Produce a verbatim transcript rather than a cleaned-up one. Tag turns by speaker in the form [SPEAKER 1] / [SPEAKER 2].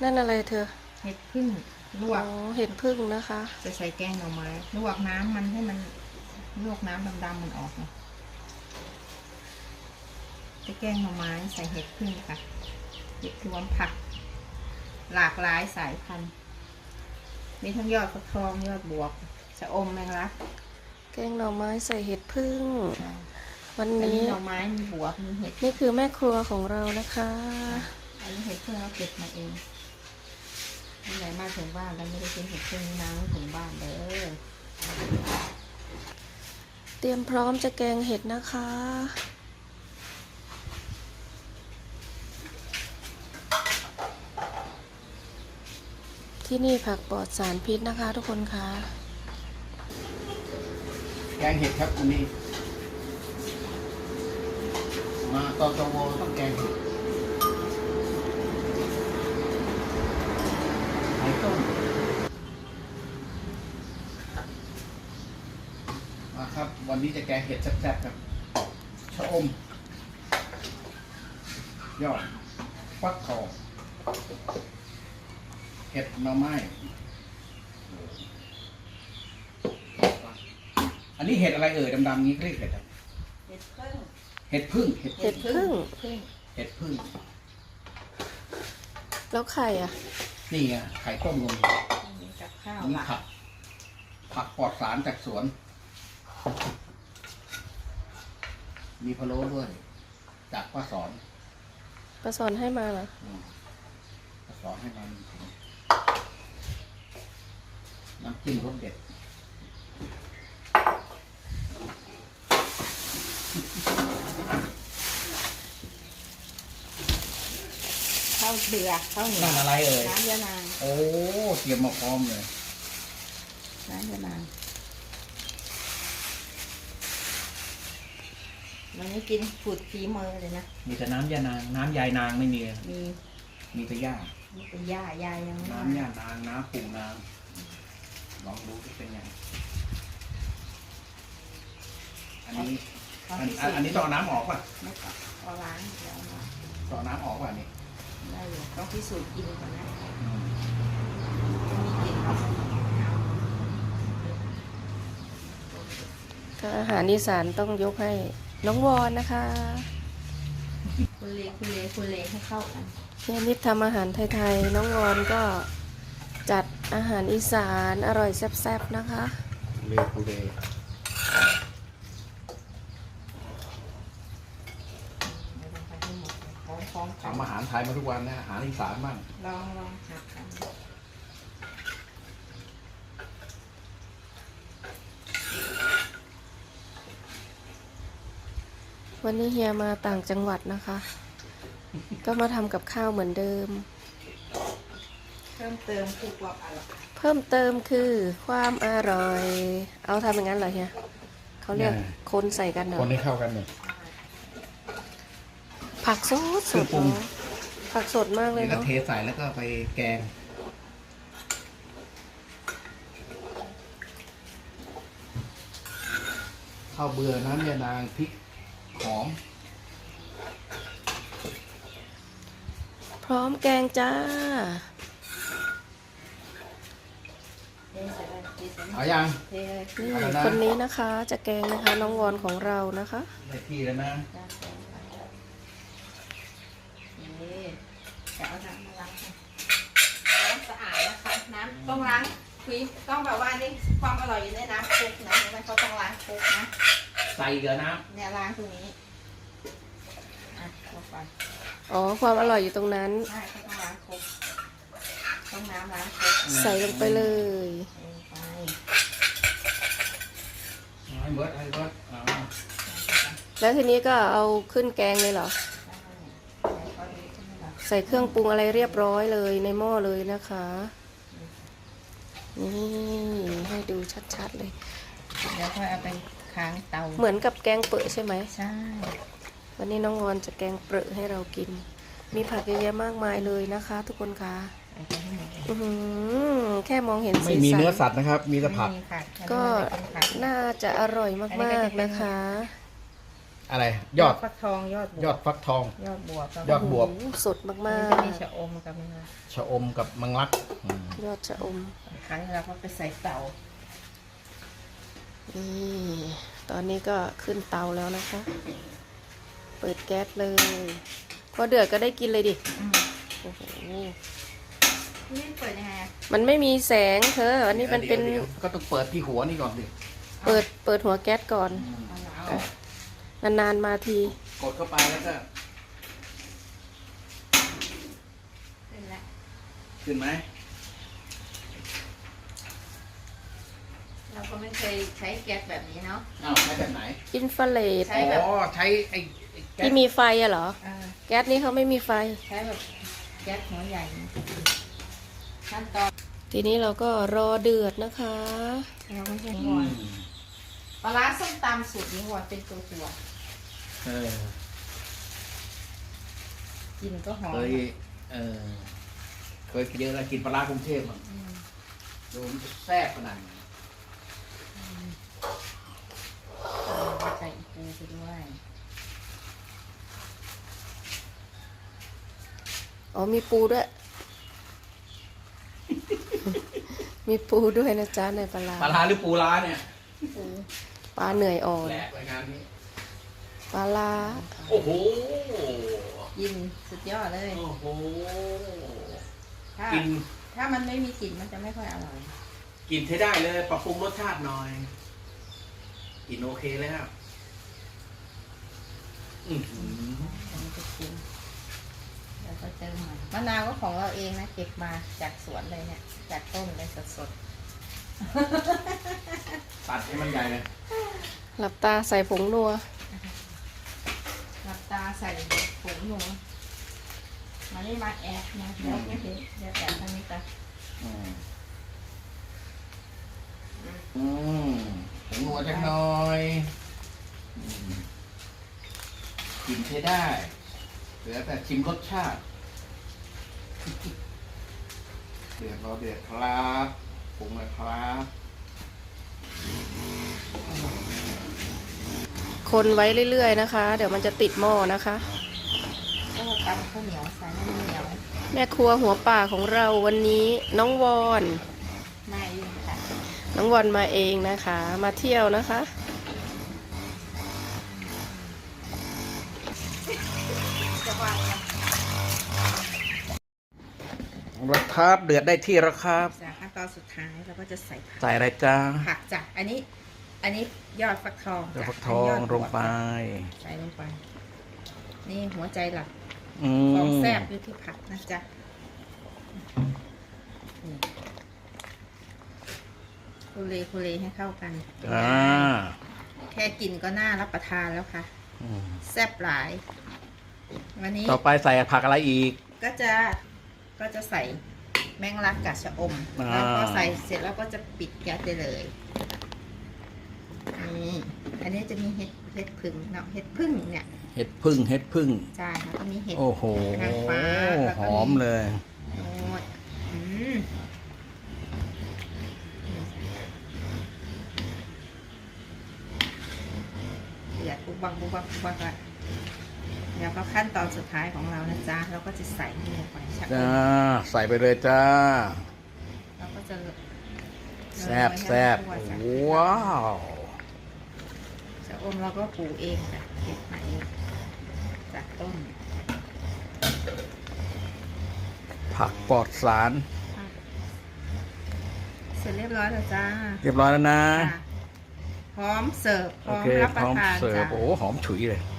[SPEAKER 1] นั่นอะไรเธอ
[SPEAKER 2] เห็ดพึ่งลวก
[SPEAKER 1] อ๋อเห็ดพึ่งนะคะ
[SPEAKER 2] จะใส่แกงหน่อไม้ลวกน้ำมันให้มันลวกน้ำดำๆมันออกเนาะจะแกงหน่อไม้ใส่เห็ดพึ่งค่ะเห็ดรวมผักหลากหลายสายพันธุ์มีทั้งยอดฟักทองยอดบวบชะอมแมงลัก
[SPEAKER 1] แกงหน่อไม้ใส่เห็ดพึ่งวัน
[SPEAKER 2] อัน
[SPEAKER 1] นี้
[SPEAKER 2] นี้หน่อไม้มีบวบมีเห็ด
[SPEAKER 1] นี่คือแม่ครัวของเรานะคะ
[SPEAKER 2] อันนี้เห็ดพึ่งเราเก็บมาเองที่ไหนมาถึงบ้านแล้วไม่ได้กินเห็ดพึ่งน้ำถึงบ้านเด้อ
[SPEAKER 1] เตรียมพร้อมจะแกงเห็ดนะคะที่นี่ผักปลอดสารพิษนะคะทุกคนคะ
[SPEAKER 3] แกงเห็ดครับวันนี้มาตอตวต้องแกงเห็ดไข่ต้มมาครับวันนี้จะแกงเห็ดแซ่บๆครับชะอมยอดฟักทองเห็ดหน่อไม้อันนี้เห็ดอะไรเอ่ยดำๆนี้เรียกเห็ดอะไร
[SPEAKER 2] เห็ดพึ่ง
[SPEAKER 3] เห็ดพึ่งเห็ด
[SPEAKER 1] เห็ดพึ่ง
[SPEAKER 3] เห็ดพึ่ง
[SPEAKER 1] แล้วไข่อ่ะ
[SPEAKER 3] นี่ไงไข่ต้มลง
[SPEAKER 2] มีกับข้าว
[SPEAKER 3] นี่ผักผักปลอดสารจากสวน มีพะโล้ด้วยจากป้าสอน
[SPEAKER 1] ป้าสอนให้มาเหรอ
[SPEAKER 3] ป้าสอนให้มาน้ำจิ้มรสเด็ด
[SPEAKER 2] ข้าวเดือข้าวเหนียว
[SPEAKER 3] นั่นอะไรเอ่ย
[SPEAKER 2] น้ำยานาง
[SPEAKER 3] โอ้เตรียมมาพร้อมเลย
[SPEAKER 2] น้ำยานางวันนี้กินผุดฝีมือเลยนะ
[SPEAKER 3] มีแต่น้ำยานางน้ำยายนางไม่มี
[SPEAKER 2] มี
[SPEAKER 3] มีแต่หญ้า
[SPEAKER 2] นี่เป็นหญ้ายายยัง
[SPEAKER 3] น้ำยานางน้ำปูนางลองดูจะเป็นยังอันนี้อันอันนี้ต้องน้ำออกป่ะ
[SPEAKER 2] ไม่ต้องเอาล้างเดี๋ยวมา
[SPEAKER 3] ต้องน้ำออกป่ะนี่
[SPEAKER 2] ได้อยู่ต้องพิสูจน์กินก่อนนะ
[SPEAKER 1] ก็อาหารอีสานต้องยกให้น้องวอนนะคะ
[SPEAKER 2] คุณเลคุณเลคุณเลให้เข้ากัน
[SPEAKER 1] เฮียนิดทำอาหารไทยๆน้องวอนก็จัดอาหารอีสานอร่อยแซ่บๆนะคะ
[SPEAKER 3] เลคูเลทำอาหารไทยมาทุกวันนะอาหารอีสานบ้าง
[SPEAKER 2] ลองลองหัดกัน
[SPEAKER 1] วันนี้เฮียมาต่างจังหวัดนะคะ ก็มาทำกับข้าวเหมือนเดิม
[SPEAKER 2] เพิ่มเติมคือความอร่อย
[SPEAKER 1] เพิ่มเติมคือความอร่อยเอาทำอย่างนั้นเหรอเฮียเขาเรียกคนใส่กันเหรอ
[SPEAKER 3] คนให้เข้ากันเนี่ย
[SPEAKER 1] ผักสดสดผักสดมากเลย
[SPEAKER 3] เนาะ
[SPEAKER 1] เท
[SPEAKER 3] ใส่แล้วก็ไปแกงข้าวเบื่อน้ำยานางพริกหอม
[SPEAKER 1] พร้อมแกงจ้า
[SPEAKER 3] เอายัง
[SPEAKER 1] นี่คนนี้นะคะจะแกงนะคะน้องวอนของเรานะคะ
[SPEAKER 3] ได้ที่แล้วนะ
[SPEAKER 2] จะเอาน้ำมาล้างน้ำสะอาดนะคะน้ำต้องล้างคุยต้องแบบว่านี่ความอร่อยอยู่ในน้ำคุกนะมันเขาต้องล้างคุกนะ
[SPEAKER 3] ใส่เกลือน้
[SPEAKER 2] ำเนี่ยล้างตรงนี้อ่ะลงไป
[SPEAKER 1] อ๋อความอร่อยอยู่ตรงนั้น
[SPEAKER 2] ใช่เขาต้องล้างคุกต้องน้ำล้างคุก
[SPEAKER 1] ใส่ลงไปเลย
[SPEAKER 2] ไป
[SPEAKER 3] ให้เบิร์ดให้เบิร์ด
[SPEAKER 1] แล้วทีนี้ก็เอาขึ้นแกงเลยเหรอใส่เครื่องปรุงอะไรเรียบร้อยเลยในหม้อเลยนะคะนี่ให้ดูชัดๆเลย
[SPEAKER 2] เดี๋ยวค่อยเอาไปค้างเตา
[SPEAKER 1] เหมือนกับแกงเปรอะใช่ไหม
[SPEAKER 2] ใช่
[SPEAKER 1] วันนี้น้องวอนจะแกงเปรอะให้เรากินมีผักเยอะแยะมากมายเลยนะคะทุกคนคะแค่มองเห็น
[SPEAKER 3] ไม่มีเนื้อสัตว์นะครับมีแต่ผัก
[SPEAKER 1] ก็น่าจะอร่อยมากๆนะคะ
[SPEAKER 3] อะไรยอด
[SPEAKER 2] ฟักทองยอดบวบ
[SPEAKER 3] ยอดฟักทอง
[SPEAKER 2] ยอดบวบแล้ว
[SPEAKER 3] ยอดบวบ
[SPEAKER 1] โอ้โหสดมา
[SPEAKER 2] มัน
[SPEAKER 1] ก
[SPEAKER 2] จะมีชะอมกับมัน
[SPEAKER 3] ชะอมกับมังลักอืม
[SPEAKER 1] ๆ ยอดชะอม
[SPEAKER 2] ครั้งเราก็ไปใส่เตา
[SPEAKER 1] นี่ตอนนี้ก็ขึ้นเตาแล้วนะคะ เปิดแก๊สเลย พอเดือดก็ได้กินเลยดิ
[SPEAKER 2] อืม
[SPEAKER 1] โอ้โห
[SPEAKER 2] นี่เปิดยังไงอะ
[SPEAKER 1] มันไม่มีแสงเธอ อันนี้มันเป็น
[SPEAKER 3] ดี๋ยวๆก็ต้องเปิดที่หัวนี่ก่อนดิ
[SPEAKER 1] เปิดเปิดหัวแก๊สก่อน
[SPEAKER 2] เอาแล้ว
[SPEAKER 3] เอา
[SPEAKER 1] นานๆมาที
[SPEAKER 3] กดเข้าไปแล้วก็
[SPEAKER 2] ขึ้นแล้ว
[SPEAKER 3] ขึ้นไหม
[SPEAKER 2] เราก็ไม่เคยใช้แก๊สแบบนี้เนาะ
[SPEAKER 3] อ้าวใช้แบบไหน
[SPEAKER 1] อินฟราเรด
[SPEAKER 2] ใช้
[SPEAKER 3] อ๋
[SPEAKER 2] แบบ
[SPEAKER 3] อใช้ไอ้ไอ้แก๊ส
[SPEAKER 1] ที่มีไฟอะเหรอ
[SPEAKER 2] อ่า
[SPEAKER 1] แก๊สนี้เขาไม่มีไฟ
[SPEAKER 2] ใช้แบบแก๊สหัวใหญ่ขั้นตอน
[SPEAKER 1] ทีนี้เราก็รอเดือดนะคะ
[SPEAKER 2] เราก็ใช้
[SPEAKER 3] อื
[SPEAKER 2] ก่อน
[SPEAKER 3] ม
[SPEAKER 2] ปลาร้าส้มตำสูตรนี้ว่าเป็นตัวตัว
[SPEAKER 3] เออ
[SPEAKER 2] ๆกินก็หอม
[SPEAKER 3] เคยเออเคยกินเยอะแล้วกินปลาร้ากรุงเทพอ่ะ
[SPEAKER 2] อืม
[SPEAKER 3] ดูมันจะแซ่บขนาดไหน
[SPEAKER 2] ใส่อีปูไปด้วย
[SPEAKER 1] อ๋อมีปูด้วย มีปูด้วยนะจ๊ะในปลาร้า
[SPEAKER 3] ปลาร้าหรือปูร้าเนี่ย
[SPEAKER 2] ปู
[SPEAKER 1] ปลาเหนื่อยอ่อน
[SPEAKER 3] แหลกรายงานนี้
[SPEAKER 1] ปลาร้า
[SPEAKER 3] โอ้โห
[SPEAKER 2] กินสุดยอดเลย
[SPEAKER 3] โอ้โห
[SPEAKER 2] ถ้า
[SPEAKER 3] กิน
[SPEAKER 2] ถ้ามันไม่มีกลิ่นมันจะไม่ค่อยอร่อย
[SPEAKER 3] กินใช้ได้เลยปรับปรุงรสชาติหน่อยกินโอเคเลยครับอื้อหือ
[SPEAKER 2] อันนี้จะกินแล้วก็เติมมันมะนาวก็ของเราเองนะเก็บมาจากสวนเลยเนี่ยจากต้นเลยสด
[SPEAKER 3] ตัดให้มันใหญ่เลย
[SPEAKER 1] หลับตาใส่ผงนัว
[SPEAKER 2] ๆหลับตาใส่ผงหนูมานี่มาแอบนะเดี๋ยวไม่เห็นเดี๋ยวแอบทางนี้กัน
[SPEAKER 3] อืมอืมผงนัวจักหน่อยอืมกินใช้ได้เหลือแต่ชิมรสชาติ เดือดรอเดือดครับปรุงเลยครับ
[SPEAKER 1] คนไว้เรื่อยๆนะคะ เดี๋ยวมันจะติดหม้อนะคะ
[SPEAKER 2] ก็ตำข้าวเหนียวใส่น้ำเหนียว
[SPEAKER 1] แม่ครัวหัวป่าของเราวันนี้น้องวอน
[SPEAKER 2] มาเองค่ะ
[SPEAKER 1] น้องวอนมาเองนะคะ มาเที่ยวนะคะ
[SPEAKER 2] จะวางกัน
[SPEAKER 3] แล้วครับเดือดได้ที่แล้วครับ
[SPEAKER 2] จากขั้นตอนสุดท้ายเราก็จะใส่ผัก
[SPEAKER 3] ใส่อะไรจ้า
[SPEAKER 2] ผักจ้ะอันนี้ อันนี้ยอดฟักทอง
[SPEAKER 3] เดี๋ยว
[SPEAKER 2] จ้ะ
[SPEAKER 3] ฟักทอง
[SPEAKER 2] นนี้ยด
[SPEAKER 3] ล
[SPEAKER 2] บ
[SPEAKER 3] ง
[SPEAKER 2] วบ
[SPEAKER 3] ไป
[SPEAKER 2] ใส่ลงไป นี่หัวใจหลัก
[SPEAKER 3] อื
[SPEAKER 2] ของ
[SPEAKER 3] ม
[SPEAKER 2] แซ่บอยู่ที่ผักนะจ๊ะนี่คุเลคุเลให้เข้ากัน
[SPEAKER 3] อ่า
[SPEAKER 2] แค่กินก็น่ารับประทานแล้วค่ะ
[SPEAKER 3] อืม
[SPEAKER 2] แซ่บหลาย วันนี้
[SPEAKER 3] ต่อไปใส่ผักอะไรอีก
[SPEAKER 2] ก็จะก็จะใส่แมงลักกับชะอม
[SPEAKER 3] อ่า
[SPEAKER 2] แล้วก็ใส่เสร็จแล้วก็จะปิดแก๊สได้เลยนี่อันนี้จะมีเห็ดเห็ดพึ่งเนาะเห็ดพึ่งเนี่ย
[SPEAKER 3] เห็ดพึ่งเห็ดพึ่ง
[SPEAKER 2] ใช่แล้วก็มีเห็ด
[SPEAKER 3] โอ้โห
[SPEAKER 2] นางฟ้าแล้ว
[SPEAKER 3] ห
[SPEAKER 2] ก็
[SPEAKER 3] อมเลย
[SPEAKER 2] โอ้ยอืมเดือดปุ๊บบังปุ๊บบังปุ๊บบังละเดี๋ยวก็ขั้นตอนสุดท้ายของเรานะจ๊ะเราก็จะใส่นี่ลงไปชะอ
[SPEAKER 3] จ้าม ใส่ไปเลยจ้า
[SPEAKER 2] เราก็จะ
[SPEAKER 3] แซ่บแซ่บ
[SPEAKER 2] โรยให้มันทั่วจ้ะ
[SPEAKER 3] ว้าว
[SPEAKER 2] ชะอมเราก็ปลูกเองค่ะเก็บมาเองจากต้น
[SPEAKER 3] ผักปลอดสาร
[SPEAKER 2] เสร็จเรียบร้อยแล้วจ้า
[SPEAKER 3] เรียบร้อยแล้วนะ
[SPEAKER 2] ค่ะพร้อมเสิร์ฟพ
[SPEAKER 3] โอ
[SPEAKER 2] ร้อม
[SPEAKER 3] เค
[SPEAKER 2] รับป
[SPEAKER 3] พ
[SPEAKER 2] ระ
[SPEAKER 3] ร้อม
[SPEAKER 2] ทาน
[SPEAKER 3] เสิร์ฟ
[SPEAKER 2] จ้ะ
[SPEAKER 3] โอ้โหหอมฉุยเลย